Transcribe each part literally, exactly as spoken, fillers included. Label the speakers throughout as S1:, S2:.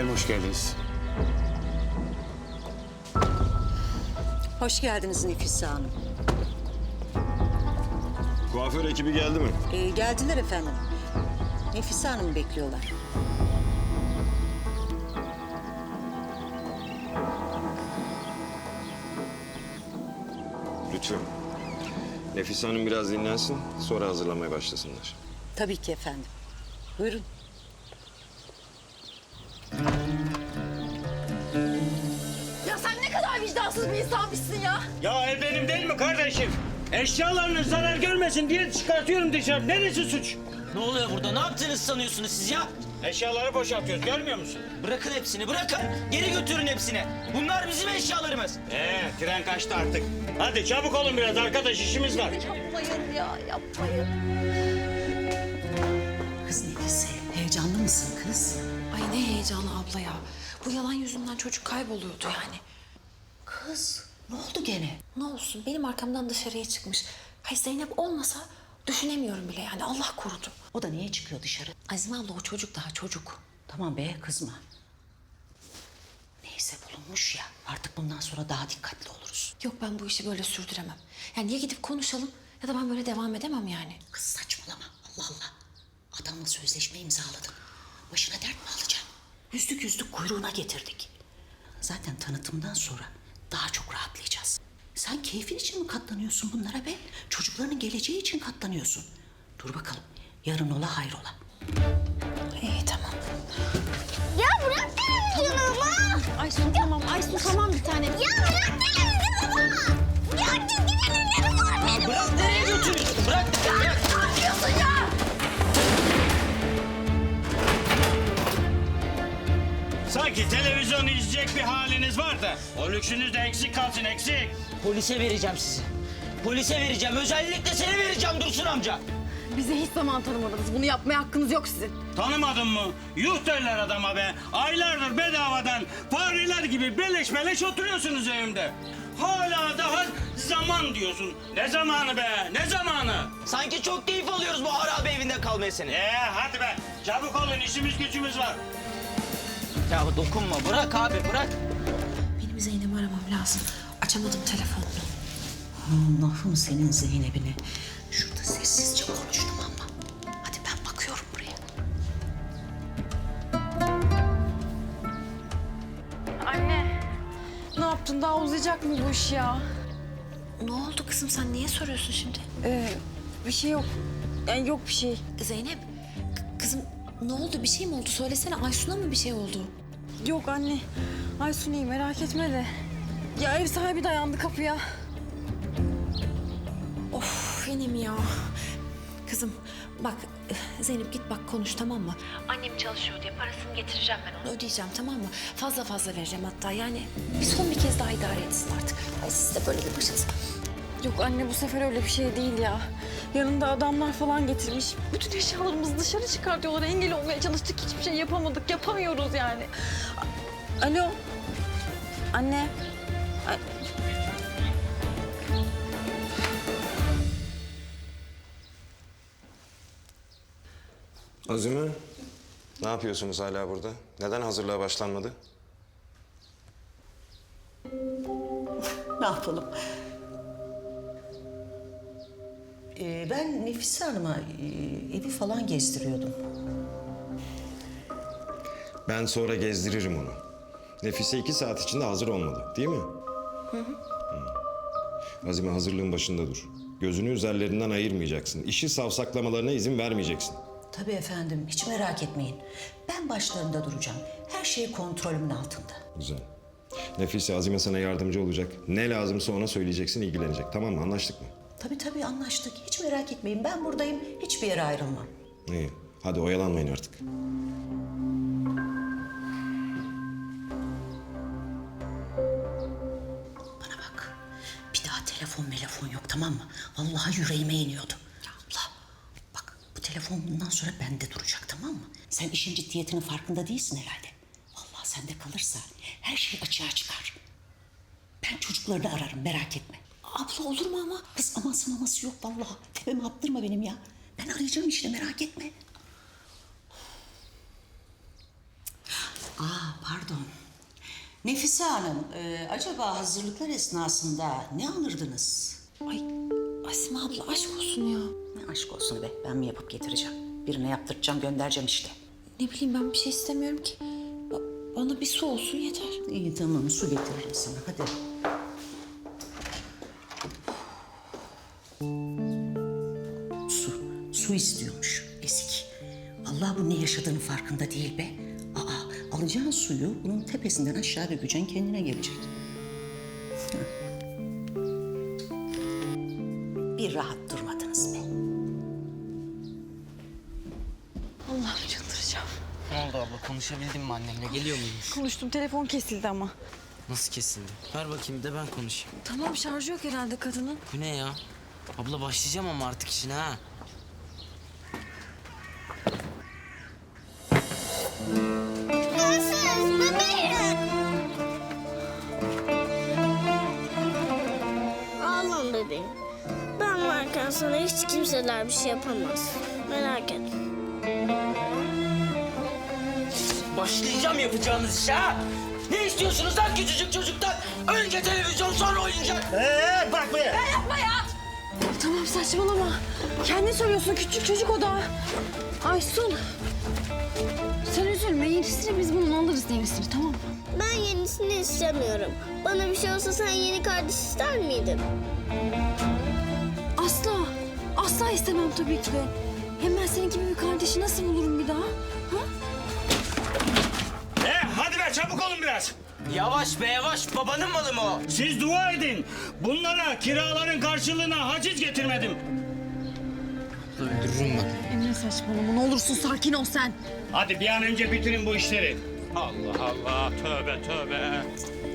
S1: Efendim hoş geldiniz.
S2: Hoş geldiniz Nefise Hanım.
S3: Kuaför ekibi geldi mi?
S2: Ee, geldiler efendim. Nefise Hanım'ı bekliyorlar.
S3: Lütfen. Nefise Hanım biraz dinlensin, sonra hazırlamaya başlasınlar.
S2: Tabii ki efendim. Buyurun.
S4: Ya sen ne kadar vicdansız bir insanmışsın ya.
S1: Ya ev benim değil mi kardeşim? Eşyalarınız zarar görmesin diye çıkartıyorum dışarı. Neresi suç?
S5: Ne oluyor burada? Ne yaptığınızı sanıyorsunuz siz ya?
S1: Eşyaları boşaltıyoruz, görmüyor musun?
S5: Bırakın hepsini, bırakın. Geri götürün hepsini. Bunlar bizim eşyalarımız.
S1: Ee, tren kaçtı artık. Hadi çabuk olun biraz arkadaş, işimiz var.
S4: Yapmayın ya, yapmayın.
S2: Kız Nefise, heyecanlı mısın kız?
S6: Ay ne heyecanı abla ya. Bu yalan yüzünden çocuk kayboluyordu yani.
S2: Kız, ne oldu gene?
S6: Ne olsun benim arkamdan dışarıya çıkmış. Hay Zeynep olmasa düşünemiyorum bile yani Allah korudu.
S2: O da niye çıkıyor dışarı?
S6: Azime abla o çocuk daha çocuk.
S2: Tamam be, kızma. Neyse bulunmuş ya, artık bundan sonra daha dikkatli oluruz.
S6: Yok ben bu işi böyle sürdüremem. Yani ya gidip konuşalım ya da ben böyle devam edemem yani.
S2: Kız saçmalama, Allah Allah. Adamla sözleşme imzaladın. Başına dert mi alacaksın? Yüzlük yüzlük kuyruğuna getirdik. Zaten tanıtımdan sonra daha çok rahatlayacağız. Sen keyfin için mi katlanıyorsun bunlara be? Çocuklarının geleceği için katlanıyorsun. Dur bakalım, yarın ola hayrola.
S6: İyi tamam.
S4: Ya bırak televizyonumu.
S6: Aysun tamam Aysun tamam bir tane.
S4: Ya bırak televizyonumu. Ya çizgi filmlerim var benim.
S5: Bırak, nereye götürüyorsun? Bırak, bırak.
S4: Ne yapıyorsun ya?
S1: Sanki televizyon izleyecek bir haliniz var da. O lüksünüz de eksik kalsın, eksik.
S5: Polise vereceğim sizi. Polise vereceğim. Özellikle seni vereceğim Dursun amca.
S4: Bize hiç zaman tanımadınız. Bunu yapmaya hakkınız yok sizin.
S1: Tanımadın mı? Yuh derler adama be. Aylardır bedavadan fareler gibi beleş beleş oturuyorsunuz evimde. Hala daha zaman diyorsun. Ne zamanı be? Ne zamanı?
S5: Sanki çok keyif alıyoruz bu harabe evinde kalmaya seni.
S1: Ee hadi be. Çabuk olun, işimiz gücümüz var.
S5: Ya dokunma. Bırak abi, bırak.
S6: Benim Zeynep'i aramam lazım. Açamadım telefonunu.
S2: Allah'ım senin Zeynep'ine. Şurada sessizce konuştum ama. Hadi ben bakıyorum buraya.
S4: Anne. Ne yaptın? Daha uzayacak mı bu iş ya?
S6: Ne oldu kızım sen niye soruyorsun şimdi?
S4: Ee, bir şey yok. Yani yok bir şey.
S6: Zeynep k- kızım ne oldu bir şey mi oldu söylesene Aysun'a mı bir şey oldu?
S4: Yok anne. Aysun iyi merak etme de. Ya ev sahibi dayandı kapıya.
S6: Of yine mi ya? Kızım bak Zeynep git bak konuş tamam mı? Annem çalışıyor diye parasını getireceğim ben onu ödeyeceğim tamam mı? Fazla fazla vereceğim hatta yani bir son bir kez daha idare etsin artık. Ay siz de böyle bir başınız.
S4: Yok anne bu sefer öyle bir şey değil ya. Yanında adamlar falan getirmiş. Bütün eşyalarımızı dışarı çıkartıyorlar. Engel olmaya çalıştık. Hiçbir şey yapamadık. Yapamıyoruz yani. A- Alo. Anne. A-
S3: Azime, ne yapıyorsunuz hala burada? Neden hazırlığa başlanmadı?
S2: Ne yapalım? Ee, ben Nefise Hanım'a e, evi falan gezdiriyordum.
S3: Ben sonra gezdiririm onu. Nefise iki saat içinde hazır olmalı, değil mi? Hı hı. Azime hazırlığın başında dur. Gözünü üzerlerinden ayırmayacaksın. İşi savsaklamalarına izin vermeyeceksin.
S2: Tabii efendim, hiç merak etmeyin. Ben başlarında duracağım. Her şey kontrolümün altında.
S3: Güzel. Nefise, Azime sana yardımcı olacak. Ne lazımsa ona söyleyeceksin, ilgilenecek. Tamam mı? Anlaştık mı?
S2: Tabii tabii anlaştık. Hiç merak etmeyin. Ben buradayım. Hiçbir yere ayrılmam.
S3: İyi. Hadi oyalanmayın artık.
S2: Bana bak. Bir daha telefon telefon yok tamam mı? Vallahi yüreğime iniyordu. Ya abla bak bu telefon bundan sonra bende duracak tamam mı? Sen işin ciddiyetinin farkında değilsin herhalde. Vallahi sende kalırsa her şey açığa çıkar. Ben çocuklarını ararım merak etme.
S6: Abla olur mu ama?
S2: Kız aması maması yok vallahi. Tepeme attırma benim ya. Ben arayacağım işte merak etme. Aa pardon. Nefise Hanım, e, acaba hazırlıklar esnasında ne alırdınız?
S6: Ay Asime abla aşk olsun ya.
S2: Ne aşk olsun be, ben mi yapıp getireceğim? Birine yaptıracağım, göndereceğim işte.
S6: Ne bileyim ben bir şey istemiyorum ki. Ba- Bana bir su olsun yeter.
S2: İyi tamam, su getiririm sana, hadi. Su, su istiyormuş, ezik. Allah bu ne yaşadığının farkında değil be. Aa, alacağın suyu bunun tepesinden aşağı dökeceksin, kendine gelecek. Heh. Bir rahat durmadınız be.
S4: Allah'ım çıldıracağım.
S5: Ne oldu abla, konuşabildin mi annemle? Geliyor muymuş?
S4: Konuştum, telefon kesildi ama.
S5: Nasıl kesildi? Ver bakayım de ben konuşayım.
S4: Tamam, şarjı yok herhalde kadının.
S5: Bu ne ya? Abla başlayacağım ama artık işine ha.
S7: Ağlama bebeğim. Ben varken sana hiç kimseler bir şey yapamaz. Merak etme.
S5: Başlayacağım yapacağınız işe ha. Ne istiyorsunuz lan küçücük çocuktan? Önce televizyon sonra oyuncak. Ee, bırak be.
S4: Tamam, saçmalama. Kendin söylüyorsun, küçük çocuk o da. Aysun. Sen üzülme, yenisini biz bunun alırız, yenisini, tamam mı?
S7: Ben yenisini istemiyorum. Bana bir şey olsa sen yeni kardeş ister miydin?
S4: Asla. Asla istemem tabii ki de. Hem ben senin gibi bir kardeşi nasıl bulurum bir daha? Ha?
S1: E hadi be, çabuk olun biraz.
S5: Yavaş be yavaş, babanın malı mı o?
S1: Siz dua edin. Bunlara kiraların karşılığına haciz getirmedim.
S5: Öldürürüm ben.
S4: Emre saçmalama, ne olursun sakin ol sen.
S1: Hadi bir an önce bitirin bu işleri. Allah Allah, tövbe tövbe.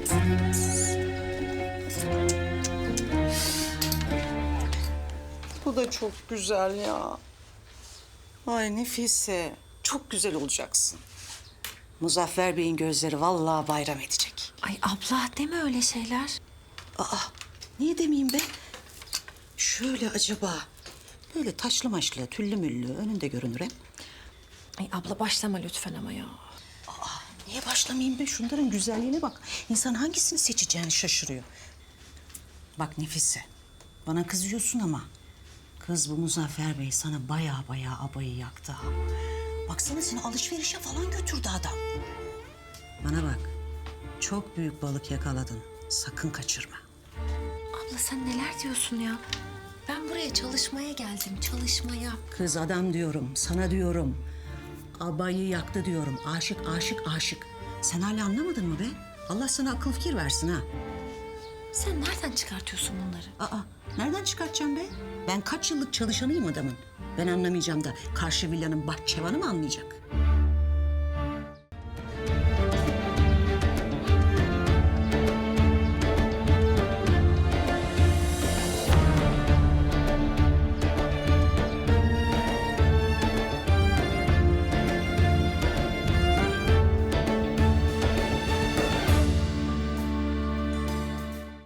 S2: Bu da çok güzel ya. Ay Nefise, çok güzel olacaksın. Muzaffer Bey'in gözleri vallahi bayram edecek.
S6: Ay abla deme öyle şeyler.
S2: Aa, niye demeyeyim be? Şöyle acaba, böyle taşlı maşlı, tüllü müllü önünde görünür hem.
S6: Ay abla başlama lütfen ama ya.
S2: Niye başlamayayım be? Şunların güzelliğine bak. İnsan hangisini seçeceğini şaşırıyor. Bak Nefise, bana kızıyorsun ama... ...kız bu Muzaffer Bey sana baya baya abayı yaktı ha. Baksana seni alışverişe falan götürdü adam. Bana bak, çok büyük balık yakaladın. Sakın kaçırma.
S6: Abla sen neler diyorsun ya? Ben buraya çalışmaya geldim, çalışmaya.
S2: Kız adam diyorum, sana diyorum. Abayı yaktı diyorum. Aşık, aşık, aşık. Sen hala anlamadın mı be? Allah sana akıl fikir versin ha.
S6: Sen nereden çıkartıyorsun bunları?
S2: Aa, nereden çıkartacağım be? Ben kaç yıllık çalışanıyım adamın. Ben anlamayacağım da karşı villanın bahçıvanı mı anlayacak?